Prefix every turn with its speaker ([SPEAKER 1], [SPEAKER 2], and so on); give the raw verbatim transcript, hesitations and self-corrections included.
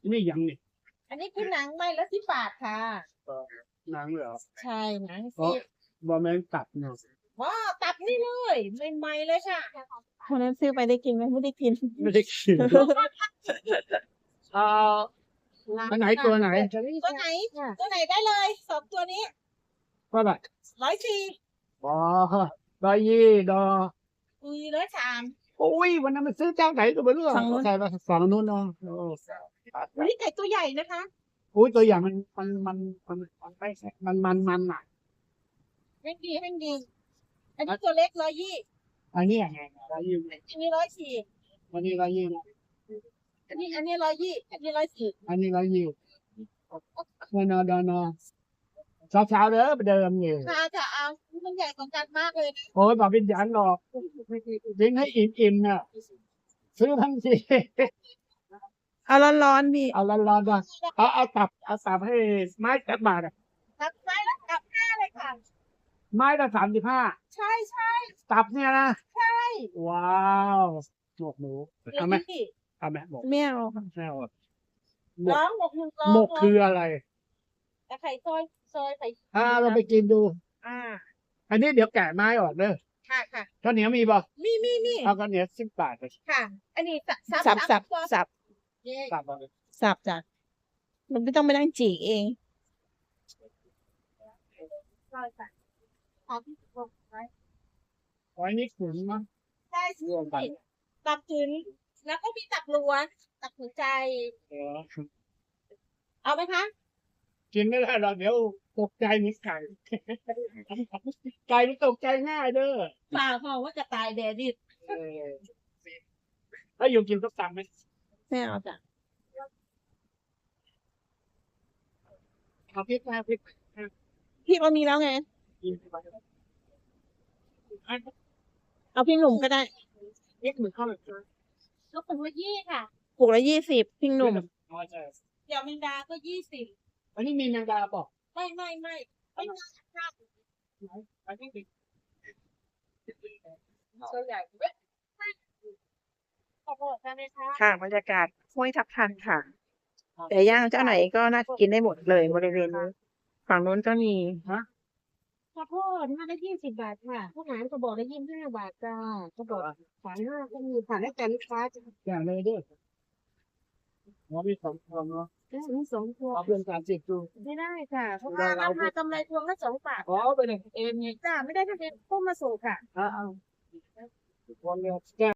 [SPEAKER 1] นี่ยังนี่
[SPEAKER 2] อันนี้คือหนังไม้ละสิบบาทค่ะ
[SPEAKER 1] หนังเหรอ
[SPEAKER 2] ใช่หนัง
[SPEAKER 1] อ๋อ
[SPEAKER 2] สิ
[SPEAKER 1] บอแมงตัดเนาะ
[SPEAKER 2] ว้าตับนี่เลยใหม่ๆเลยค่ะ
[SPEAKER 3] คนนั้นซื้อไปได้กินไหมไม่ได้กิน
[SPEAKER 1] ไม่ได้กินเอ่ออันไหนตัวไหน
[SPEAKER 2] ตัวไหนตัวไหนได้เลยสองตัวนี้
[SPEAKER 1] เท่าไหร่
[SPEAKER 2] ร้อยสี่
[SPEAKER 1] อ๋อร้อยยี่ดอ
[SPEAKER 2] อุ้ยร้อยสาม
[SPEAKER 1] โอ้ยวันนั้นมันซื้อเจ้าไหนก็ไม่รู้อะ
[SPEAKER 3] ฝั่งนู้น
[SPEAKER 1] ใช่ปะฝั่งนู้นเนาะโอ้
[SPEAKER 2] วันนี้ไก่ตัวใหญ่นะคะ
[SPEAKER 1] อุ้ยตัวอย่างมันมันมันมันมันไม่ใช่มันมันมันอ่ะ
[SPEAKER 2] แห้งดีแห้งดีอันนี้ตัวเล็กร้อยยี่
[SPEAKER 1] อันนี้ยังไงร้อยยี่
[SPEAKER 2] อันนี้ร้อยสี่
[SPEAKER 1] วันนี้ร้อยยี่
[SPEAKER 2] อันนี้อันนี้ร้อยยี่อันนี้ร้อยสี่
[SPEAKER 1] อันนี้ร้อยยี่เงินอดอนอเช้าเช้าๆเด้อไปเดิมอยู่
[SPEAKER 2] ค่ะจะเอามันใหญ่กว่ากันมากเลยนะ
[SPEAKER 1] โอ้ยบอกเป็นยันหรอกยิงให้อิ่มอิ่มๆน่ะซื้อทั้งที
[SPEAKER 3] เอาร้อนๆพี่
[SPEAKER 1] เอาร้อนๆนะเอาเอาตับเอาตับให้ไม้จักบาทอะ
[SPEAKER 2] ตับไซส์แล้วตับห้าเลยค่ะ
[SPEAKER 1] ไม้ละสามสิบห้า
[SPEAKER 2] ใช่ใช่
[SPEAKER 1] ตับเนี่ยนะ
[SPEAKER 2] ใช่
[SPEAKER 1] ว้าวหมกหมูเอาไหม
[SPEAKER 2] นี่
[SPEAKER 1] เอาไหมหมก
[SPEAKER 3] ไม่เอาค่ะ
[SPEAKER 1] ไม่เอาอะหมก
[SPEAKER 2] ร้องหมกหนึ่งร้อง
[SPEAKER 1] หมกคืออะไร
[SPEAKER 2] แต่ไข่ซอยซอยไข่
[SPEAKER 1] อ่าเราไปกินดู
[SPEAKER 2] อ่า
[SPEAKER 1] อันนี้เดี๋ยวแกะไม้ออกเด้อ
[SPEAKER 2] ค่ะค่ะ
[SPEAKER 1] ข้าวเหนียวมีป่ะ
[SPEAKER 2] มีมีมี
[SPEAKER 1] เอาข้าวเหนียวสิบบาทไป
[SPEAKER 2] ค่ะ อันนี้สับ
[SPEAKER 3] สับสับ
[SPEAKER 2] สับ
[SPEAKER 3] สับ
[SPEAKER 2] เย้
[SPEAKER 1] สับเอาไป
[SPEAKER 3] สับจ้ะมันไม่ต้องไปนั่งจีกเอง
[SPEAKER 2] ซอยค่ะขอบคุณไว้
[SPEAKER 1] ไว้นี่ขุนมั้ง
[SPEAKER 2] ใช่
[SPEAKER 1] รวมกัน
[SPEAKER 2] ตับถึงแล้วก็มีตับล้วนตับหัวใจ
[SPEAKER 1] เออ
[SPEAKER 2] เอาไหมคะ
[SPEAKER 1] กินไม่ได้หรอกเดี๋ยวตกใจเหมือนไก่ ไก่มันตกใจง่ายเด้อ
[SPEAKER 2] ฝ่าพอว่ากระต่ายแดดดิบ
[SPEAKER 1] เออถ้าอยู่กินส้มตำไหม
[SPEAKER 3] ไม่เอาจ้ะ
[SPEAKER 1] เอาพริกมาพริก
[SPEAKER 3] พี่ก็มีแล้วไง
[SPEAKER 1] กินไป
[SPEAKER 3] เอาพี่หนุ่มก็ได้
[SPEAKER 1] พริกเหมือนข้าวแบบนี้
[SPEAKER 2] ลูกเป็นว่ายี่ค่ะ
[SPEAKER 3] ปลูกละยี่สิบพี่หนุ่ม
[SPEAKER 1] อ๋อใช่
[SPEAKER 2] เดี๋ยวแมงดาก็ยี่สิบ
[SPEAKER 1] อันนี้มีแมงดาเปล่ะ
[SPEAKER 2] ไม่ไม่ไม่ไม่น่าค่ะ
[SPEAKER 1] อันนี้มี
[SPEAKER 2] ตัวใหญ่เว้ยขอบคุณค่ะนะคะ
[SPEAKER 3] ค่ะบรรยากาศห้วยทับทันค่ะ แต่ย่างเจ้าไหนก็น่ากินได้หมดเลยบริเวณนี้ฝั่งนู้นก็มี
[SPEAKER 2] ข้าวโพดห้าได้ยี่สิบบาทค่ะข้าวหลามกระบอกได้ยี่สิบห้าบาทจ้ากระบอกขายห้าก็มีผ่านให้แต่ลูกค้าจะ
[SPEAKER 1] อย่างเลยเด้อหมอมีสองพวงเนาะ
[SPEAKER 2] ได้ถึงสองพวง
[SPEAKER 1] เอาเพื่อนสามสิบดู
[SPEAKER 2] ไม่ได้ค่ะ เพราะว่าราคากำไรพวงละสองบาท
[SPEAKER 1] อ๋อไปเลยเองไง
[SPEAKER 2] จ้าไม่ได้ทะเบียนพุ่มมาส่งค่ะ
[SPEAKER 1] เอาเอาพวงเดียว